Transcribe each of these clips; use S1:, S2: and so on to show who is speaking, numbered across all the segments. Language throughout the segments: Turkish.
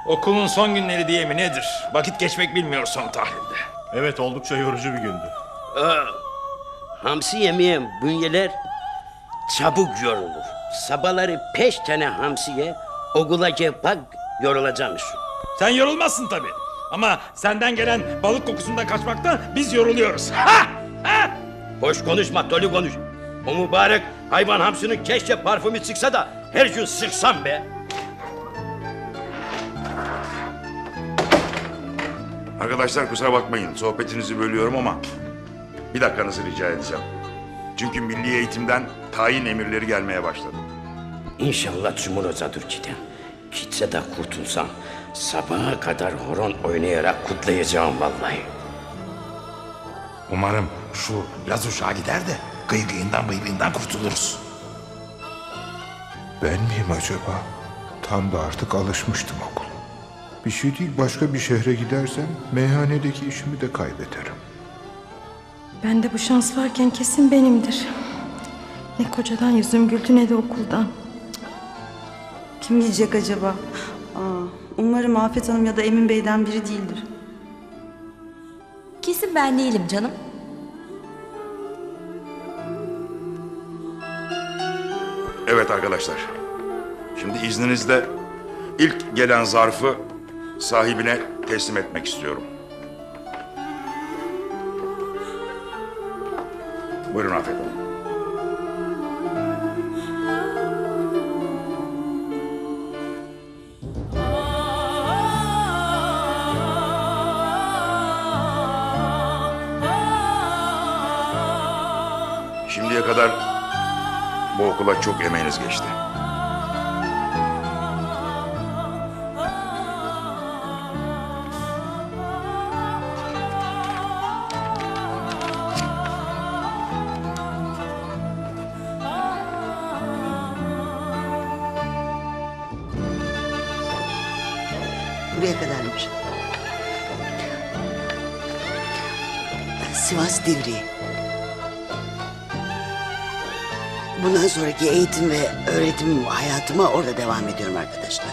S1: Okulun son günleri diye mi nedir? Vakit geçmek bilmiyor son tahlilde.
S2: Evet, oldukça yorucu bir gündü.
S3: Hamsi yemeyen bünyeler çabuk yorulur. Sabahları 5 tane hamsiye okula gel bak yorulacaksın.
S1: Sen yorulmazsın tabii. Ama senden gelen balık kokusundan kaçmaktan biz yoruluyoruz. Ha! Ha!
S3: Boş konuşma, dolu konuş. O mübarek hayvan hamsinin keşke parfümü çıksa da her gün sıksam be.
S4: Arkadaşlar kusura bakmayın, sohbetinizi bölüyorum ama bir dakikanızı rica edeceğim. Çünkü milli eğitimden tayin emirleri gelmeye başladı.
S3: İnşallah Cumhur Hocadır giden. Gitse de kurtulsam sabaha kadar horon oynayarak kutlayacağım vallahi.
S5: Umarım şu yaz uşağı gider de gıygıyından kurtuluruz.
S6: Ben miyim acaba? Tam da artık alışmıştım okula. Bir şey değil, başka bir şehre gidersem meyhanedeki işimi de kaybederim.
S7: Bende bu şans varken kesin benimdir. Ne kocadan yüzüm güldü ne de okuldan.
S8: Kim diyecek acaba? Umarım Afet Hanım ya da Emin Bey'den biri değildir.
S9: Kesin ben değilim canım.
S4: Evet arkadaşlar, şimdi izninizle ilk gelen zarfı sahibine teslim etmek istiyorum. Buyurun Afet Hanım. Şimdiye kadar bu okula çok emeğiniz geçti.
S10: Buraya kadarmış. Sivas Divriği. Bundan sonraki eğitim ve öğretim hayatıma orada devam ediyorum arkadaşlar.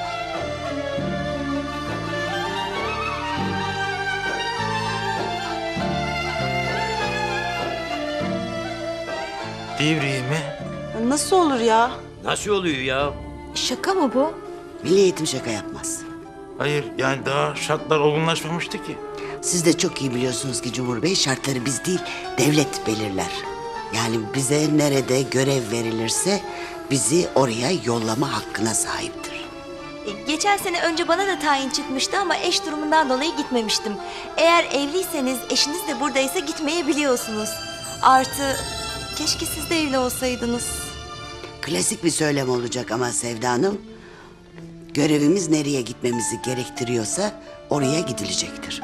S5: Divriği mi?
S8: Nasıl olur ya?
S3: Nasıl oluyor ya?
S9: Şaka mı bu?
S10: Milli eğitim şaka yapmaz.
S5: Hayır, yani daha şartlar olgunlaşmamıştı ki.
S10: Siz de çok iyi biliyorsunuz ki Cumhur Bey, şartları biz değil devlet belirler. Yani bize nerede görev verilirse bizi oraya yollama hakkına sahiptir.
S9: Geçen sene önce bana da tayin çıkmıştı ama eş durumundan dolayı gitmemiştim. Eğer evliyseniz, eşiniz de buradaysa gitmeyebiliyorsunuz. Artı keşke siz de evli olsaydınız.
S10: Klasik bir söylem olacak ama Sevda Hanım, görevimiz nereye gitmemizi gerektiriyorsa oraya gidilecektir.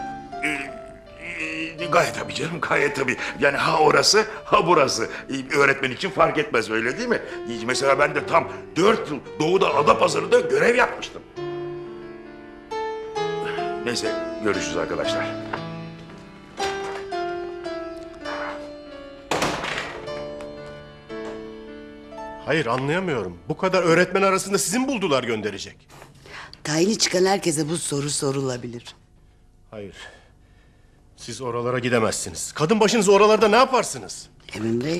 S4: Gayet tabii canım, gayet tabii. Yani ha orası, ha burası. Öğretmen için fark etmez, öyle değil mi? Mesela ben de tam 4 yıl Doğu'da Adapazarı'nda görev yapmıştım. Neyse, görüşürüz arkadaşlar.
S2: Hayır, anlayamıyorum. Bu kadar öğretmen arasında sizin buldular gönderecek.
S10: Tayini çıkan herkese bu soru sorulabilir.
S2: Hayır. Siz oralara gidemezsiniz. Kadın başınız oralarda ne yaparsınız?
S10: Emin Bey.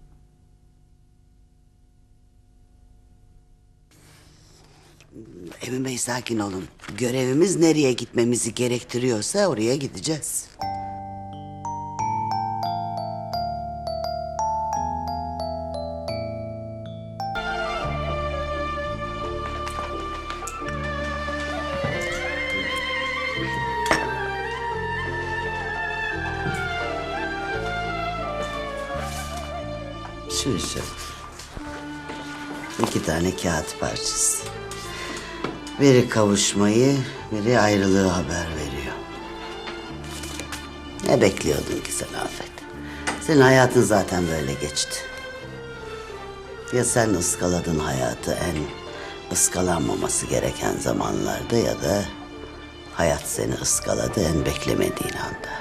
S10: Emin Bey, sakin olun. Görevimiz nereye gitmemizi gerektiriyorsa oraya gideceğiz. Şu. 2 tane kağıt parçası. Biri kavuşmayı, biri ayrılığı haber veriyor. Ne bekliyordun ki sen Afet? Senin hayatın zaten böyle geçti. Ya sen ıskaladın hayatı en ıskalanmaması gereken zamanlarda, ya da hayat seni ıskaladı en beklemediğin anda.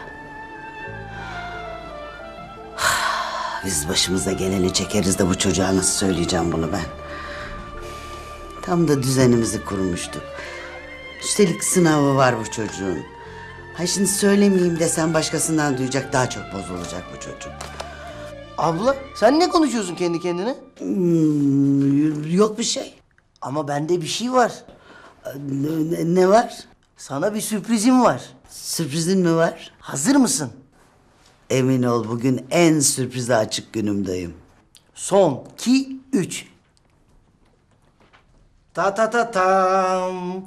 S10: Biz başımıza geleni çekeriz de bu çocuğa nasıl söyleyeceğim bunu ben? Tam da düzenimizi kurmuştuk. Üstelik sınavı var bu çocuğun. Ha şimdi söylemeyeyim desem başkasından duyacak, daha çok bozulacak bu çocuk.
S11: Abla sen ne konuşuyorsun kendi kendine?
S10: Yok bir şey.
S11: Ama bende bir şey var.
S10: Ne var?
S11: Sana bir sürprizim var.
S10: Sürprizin mi var?
S11: Hazır mısın?
S10: Emin ol bugün en sürprize açık günümdeyim.
S11: Son, 2, 3. Ta ta ta tam.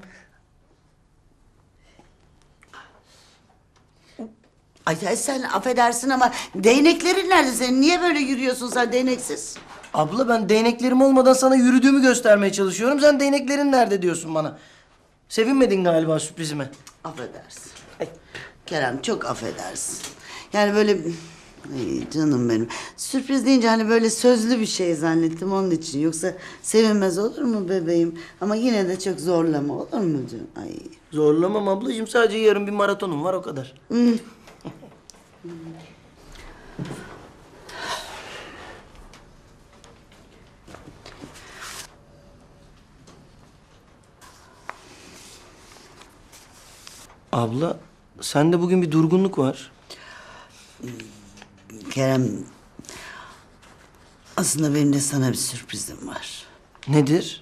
S10: Ay sen affedersin ama değneklerin nerede senin? Niye böyle yürüyorsun sen değneksiz?
S11: Abla ben değneklerim olmadan sana yürüdüğümü göstermeye çalışıyorum. Sen değneklerin nerede diyorsun bana. Sevinmedin galiba sürprizime.
S10: Affedersin. Kerem çok affedersin. Yani böyle... Ay canım benim. Sürpriz deyince hani böyle sözlü bir şey zannettim onun için. Yoksa sevinmez olur mu bebeğim? Ama yine de çok zorlama olur mu canım? Ay.
S11: Zorlamam ablacığım. Sadece yarın bir maratonum var o kadar. Abla sende bugün bir durgunluk var.
S10: Kerem... Aslında benim de sana bir sürprizim var.
S11: Nedir?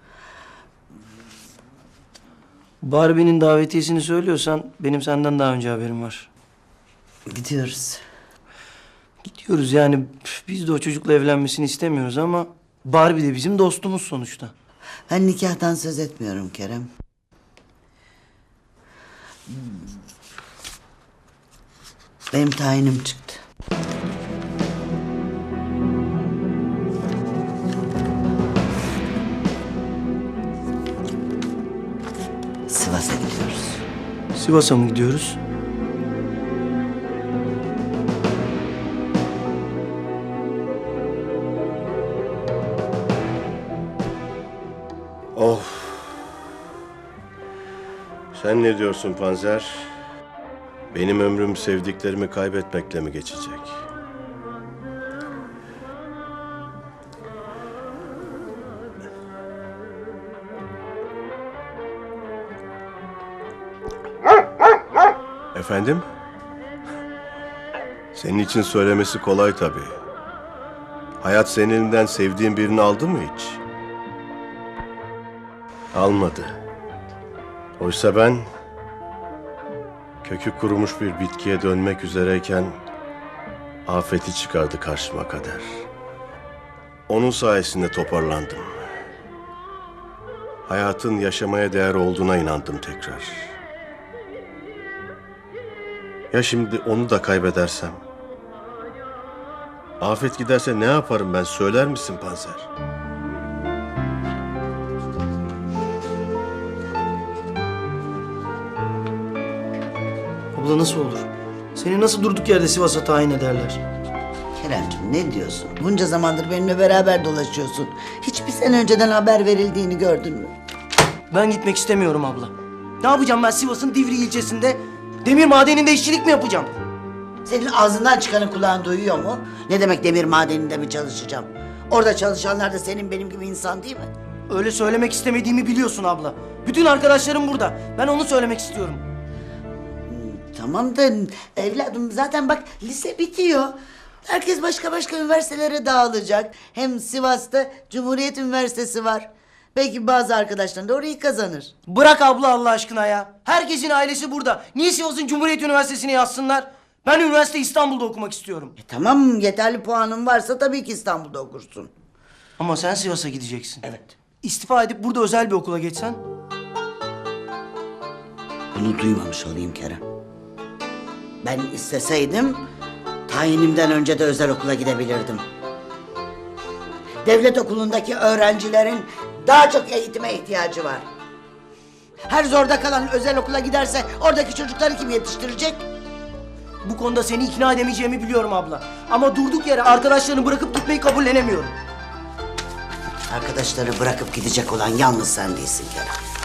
S11: Barbie'nin davetiyesini söylüyorsan benim senden daha önce haberim var.
S10: Gidiyoruz.
S11: Gidiyoruz yani biz de o çocukla evlenmesini istemiyoruz ama Barbie de bizim dostumuz sonuçta.
S10: Ben nikahtan söz etmiyorum Kerem. Benim tayinim çıktı. Sivas'a gidiyoruz.
S11: Sivas'a mı gidiyoruz?
S2: Of. Sen ne diyorsun Panzer? Benim ömrüm sevdiklerimi kaybetmekle mi geçecek? Efendim? Senin için söylemesi kolay tabii. Hayat senin elinden sevdiğin birini aldı mı hiç? Almadı. Oysa ben kökü kurumuş bir bitkiye dönmek üzereyken afeti çıkardı karşıma kader. Onun sayesinde toparlandım. Hayatın yaşamaya değer olduğuna inandım tekrar. Ya şimdi onu da kaybedersem? Afet giderse ne yaparım ben, söyler misin Panzer?
S11: Abla nasıl olur? Seni nasıl durduk yerde Sivas'a tayin ederler?
S10: Keremciğim ne diyorsun? Bunca zamandır benimle beraber dolaşıyorsun. Hiç bir sene önceden haber verildiğini gördün mü?
S11: Ben gitmek istemiyorum abla. Ne yapacağım ben Sivas'ın Divri ilçesinde? Demir madeninde işçilik mi yapacağım?
S10: Senin ağzından çıkanı kulağın duyuyor mu? Ne demek demir madeninde mi çalışacağım? Orada çalışanlar da senin benim gibi insan değil mi?
S11: Öyle söylemek istemediğimi biliyorsun abla. Bütün arkadaşlarım burada. Ben onu söylemek istiyorum.
S10: Tamam da evladım zaten bak lise bitiyor. Herkes başka üniversitelere dağılacak. Hem Sivas'ta Cumhuriyet Üniversitesi var. Belki bazı arkadaşların da orayı kazanır.
S11: Bırak abla Allah aşkına ya. Herkesin ailesi burada. Niye Sivas'ın Cumhuriyet Üniversitesi'ne yazsınlar? Ben üniversite İstanbul'da okumak istiyorum.
S10: Tamam yeterli puanın varsa tabii ki İstanbul'da okursun.
S11: Ama sen Sivas'a gideceksin.
S10: Evet.
S11: İstifa edip burada özel bir okula geçsen.
S10: Bunu duymamış olayım Kerem. Ben isteseydim tayinimden önce de özel okula gidebilirdim. Devlet okulundaki öğrencilerin daha çok eğitime ihtiyacı var. Her zorda kalan özel okula giderse oradaki çocukları kim yetiştirecek?
S11: Bu konuda seni ikna edemeyeceğimi biliyorum abla. Ama durduk yere arkadaşlarını bırakıp gitmeyi kabullenemiyorum.
S10: Arkadaşları bırakıp gidecek olan yalnız sen değilsin Kerem.